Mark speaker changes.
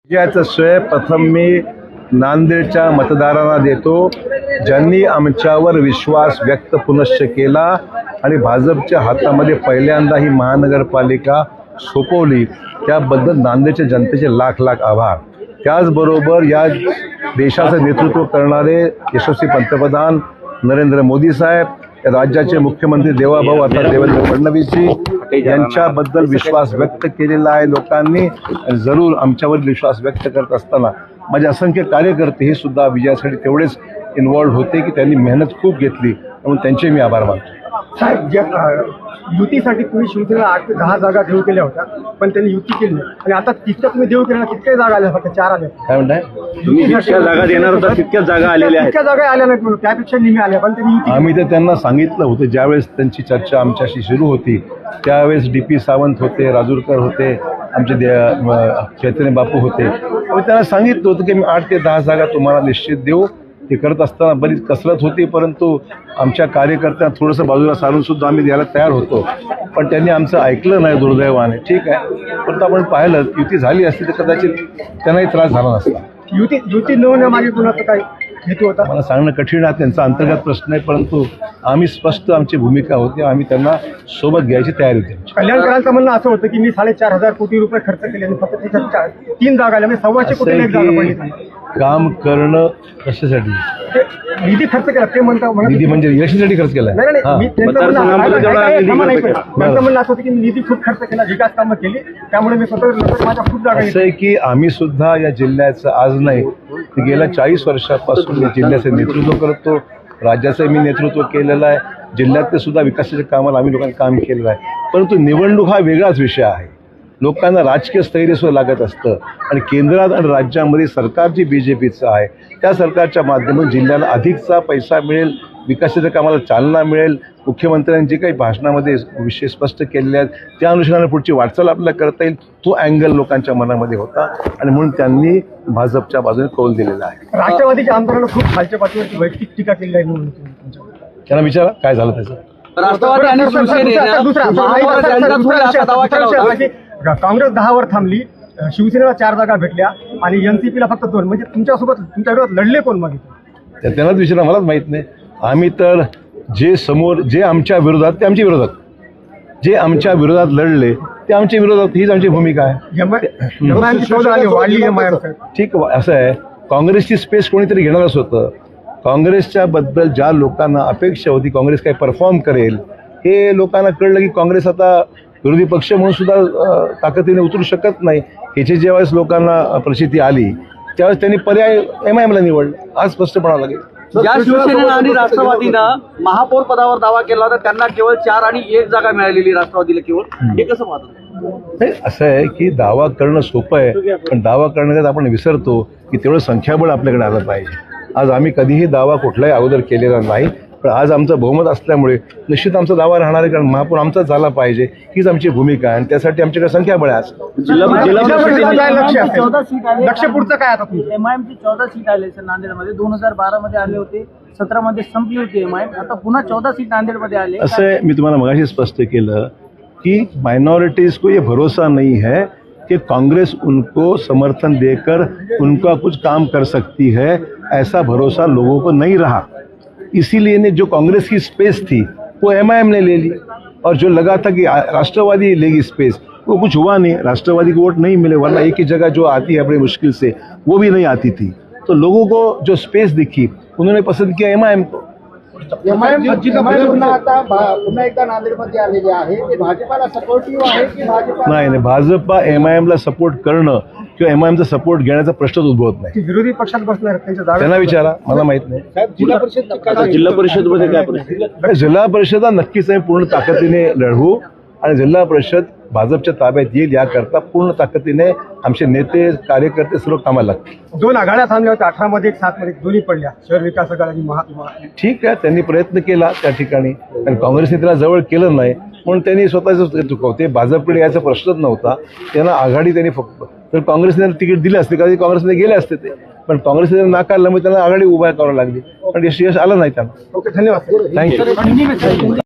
Speaker 1: याचं श्रेय प्रथम मी नांदेडच्या मतदारांना देतो, ज्यांनी आमच्यावर विश्वास व्यक्त पुनश्च केला आणि भाजपच्या हातामध्ये पहिल्यांदा ही महानगरपालिका सोपवली, त्याबद्दल नांदेडच्या जनतेचे लाख लाख आभार। त्याचबरोबर या देशाचं नेतृत्व करणारे यशस्वी पंतप्रधान नरेंद्र मोदी साहेब, राज्याचे मुख्यमंत्री देवाभाऊ अर्थात देवेंद्र फडणवीसजी यांच्याबद्दल विश्वास व्यक्त केलेला आहे लोकांनी। जरूर आमच्यावर विश्वास व्यक्त करत असताना माझे असंख्य कार्यकर्ते हे सुद्धा विजयासाठी तेवढेच इन्व्हॉल्व होते की त्यांनी मेहनत खूप घेतली, म्हणून त्यांचे मी आभार मानतो।
Speaker 2: युतीसाठी तुम्ही शिवसेनेला 8 ते 10 जागा देऊ केल्या होत्या, पण त्यांनी युती केली नाही आणि आता तितक्या तुम्ही देऊ केल्या, कितक्या जागा आल्या? फक्त 4 आल्या।
Speaker 1: काय म्हणताय?
Speaker 3: तुम्ही जितक्या जागा देणार होता तितक्याच जागा आलेल्या आहेत।
Speaker 2: तितक्या जागा आल्या नाही, त्यापेक्षा निम्या आल्या, पण त्यांनी युती।
Speaker 1: आम्ही तर त्यांना सांगितलं होतं, ज्यावेळेस त्यांची चर्चा आमच्याशी सुरू होती त्यावेळेस डी.पी. सावंत होते, राजूरकर होते, आमचे चैतन्य बापू होते, आम्ही त्यांना सांगितलं होतं की मी 8 ते 10 जागा तुम्हाला निश्चित देऊ। ते करत असताना बरीच कसरत होती, परंतु आमच्या कार्यकर्त्यांना थोडंसं बाजूला सारून सुद्धा आम्ही द्यायला तयार होतो, पण त्यांनी आमचं ऐकलं नाही दुर्दैवाने। ठीक आहे, परंतु आपण पाहिलं युती झाली असती तर कदाचित त्यांनाही त्रास झाला नसता।
Speaker 2: युती न होण्यामागे कुणाचं काय हेतू होता
Speaker 1: मला सांगणं कठीण आहे, त्यांचा अंतर्गत प्रश्न आहे, परंतु आम्ही स्पष्ट आमची भूमिका होती, आम्ही त्यांना सोबत घ्यायची तयारी होती।
Speaker 2: कल्याणकरांचं म्हणणं असं होतं की मी 4.5 कोटी रुपये खर्च केले आणि फक्त 3 जागा आल्या, म्हणजे 1.25 कोटी जागा पडली।
Speaker 1: काम करणं कशासाठी?
Speaker 2: निधी खर्च केला ते म्हणतात,
Speaker 1: निधी म्हणजे इलेक्शनसाठी खर्च केलाय?
Speaker 2: त्यांचं म्हणणं असं होतं की निधी खूप खर्च केला, विकास कामं केली, त्यामुळे मी स्वतः माझ्या खूप जागा।
Speaker 1: असं आहे की आम्ही सुद्धा या जिल्ह्याचं आज नाही तर गेल्या 40 वर्षापासून या जिल्ह्याचं नेतृत्व करतो, राज्याचं मी नेतृत्व केलेलं आहे, जिल्ह्यातले सुद्धा विकासाच्या कामाला आम्ही लोकांनी काम केलेलं आहे। परंतु निवडणूक हा वेगळाच विषय आहे, लोकांना राजकीय स्थैर्य सुद्धा लागत असतं आणि केंद्रात आणि राज्यामध्ये सरकार जी BJPचं आहे त्या सरकारच्या माध्यमातून जिल्ह्याला अधिकचा पैसा मिळेल, विकासाच्या कामाला चालना मिळेल। मुख्यमंत्र्यांनी जे काही भाषणामध्ये विषय स्पष्ट केलेले आहेत त्या अनुषंगाने पुढची वाटचाल आपल्याला करता येईल, तो अँगल लोकांच्या मनामध्ये होता आणि म्हणून त्यांनी भाजपच्या बाजूने कौल दिलेला आहे।
Speaker 2: राष्ट्रवादीच्या आमदारांना खूप खालच्या पातळीवरची वैयक्तिक टीका केली आहे म्हणून
Speaker 1: त्यांना विचारा काय झालं त्याचं।
Speaker 3: राष्ट्रवादी आणि
Speaker 2: काँग्रेस 10 वर थांबली, शिवसेनेला 4 जागा भेटल्या आणि NCPला फक्त 2, म्हणजे तुमच्यासोबत तुमच्या विरोधात लढले कोण? मग
Speaker 1: त्यांनाच विचारा, मलाच माहित नाही। आम्ही तर जे आमच्या विरोधात ते आमच्या विरोधात, जे आमच्या विरोधात लढले ते आमच्या विरोधात, हीच आमची भूमिका आहे। ठीक असं आहे, काँग्रेसची स्पेस कोणीतरी घेणारच होतं। काँग्रेसच्या बद्दल ज्या लोकांना अपेक्षा होती काँग्रेस काय परफॉर्म करेल, हे लोकांना कळलं की काँग्रेस आता विरोधी पक्ष म्हणून सुद्धा ताकदीने उतरू शकत नाही। ह्याची ज्यावेळेस लोकांना प्रचिती आली त्यावेळेस त्यांनी पर्याय MIMला निवडलं, आज स्पष्टपणा लागेल।
Speaker 3: ज्या शिवसेनेनं आणि राष्ट्रवादीनं महापौर पदावर दावा केला होता त्यांना केवळ 4 आणि 1 जागा मिळालेली, राष्ट्रवादीला केवळ, हे कसं पाहतो?
Speaker 1: असं आहे की दावा करणं सोपं आहे, पण दावा करण्यात आपण विसरतो की तेवढं संख्याबळ आपल्याकडे आलं पाहिजे। आज आम्ही कधीही दावा कुठलाही अगोदर केलेला नाही, पण आज आमचं बहुमत असल्यामुळे निश्चित आमचा दावा राहणार आहे, कारण महापौर आमचाच झाला पाहिजे हीच आमची भूमिका आहे आणि त्यासाठी आमच्याकडे संख्याबळ आहे। आज
Speaker 2: लक्ष पुढचं काय आता?
Speaker 4: MIMची 14 सीट आले सर नांदेडमध्ये, 2012 मध्ये आले होते, 17 मध्ये संपली होती MIM, आता पुन्हा 14 सीट नांदेडमध्ये आले।
Speaker 1: असं आहे, मी तुम्हाला मगाशी स्पष्ट केलं की माइनॉरिटीज को ये भरोसा नहीं है कि कांग्रेस उनको समर्थन देकर उनका कुछ काम कर सकती है, ऐसा भरोसा लोगों को नहीं रहा। इसीलिए ने जो कांग्रेस की स्पेस थी वो MIM ने ले ली, और जो लगा था कि राष्ट्रवादी लेगी स्पेस, वो कुछ हुआ नहीं, राष्ट्रवादी को वोट नहीं मिले, वरना एक ही जगह जो आती है बड़ी मुश्किल से वो भी नहीं आती थी। तो लोगों को जो स्पेस दिखी उन्होंने पसंद किया MIM को।
Speaker 2: पुन्हा एकदा नांदेडमध्ये आलेले आहे, ते भाजपाला सपोर्टिव्ह आहे की भाजपा?
Speaker 1: नाही, भाजपा MIMला सपोर्ट करणं किंवा MIMचा सपोर्ट घेण्याचा प्रश्नच उद्भवत नाही।
Speaker 2: विरोधी पक्षात बसणार
Speaker 1: त्यांना विचारा, मला माहित नाही।
Speaker 3: जिल्हा परिषदमध्ये काय परिस्थिती?
Speaker 1: जिल्हा परिषद नक्कीच आम्ही पूर्ण ताकदीने लढवू आणि जिल्हा परिषद भाजपच्या ताब्यात येईल याकरता पूर्ण ताकदीने आमचे नेते कार्यकर्ते सर्व कामाला लागतील।
Speaker 2: 2 आघाड्या थांबल्या होत्या, 18 मध्ये 7 मध्ये, दोन्ही पडल्या, शहर विकास आघाडी आणि महात्मा।
Speaker 1: ठीक आहे, त्यांनी प्रयत्न केला त्या ठिकाणी आणि काँग्रेसने त्याला जवळ केलं नाही म्हणून त्यांनी स्वतःच चुकवते, भाजपकडे याचा प्रश्नच नव्हता। त्यांना आघाडी त्यांनी फक्त, तर काँग्रेसने तिकीट दिले असते कधी काँग्रेसने गेले असते ते, पण काँग्रेसने नाकारलं, मग त्यांना आघाडी उभा करावी लागली, पण यश आलं नाही त्यांना।
Speaker 2: ओके, धन्यवाद,
Speaker 1: थँक्यू।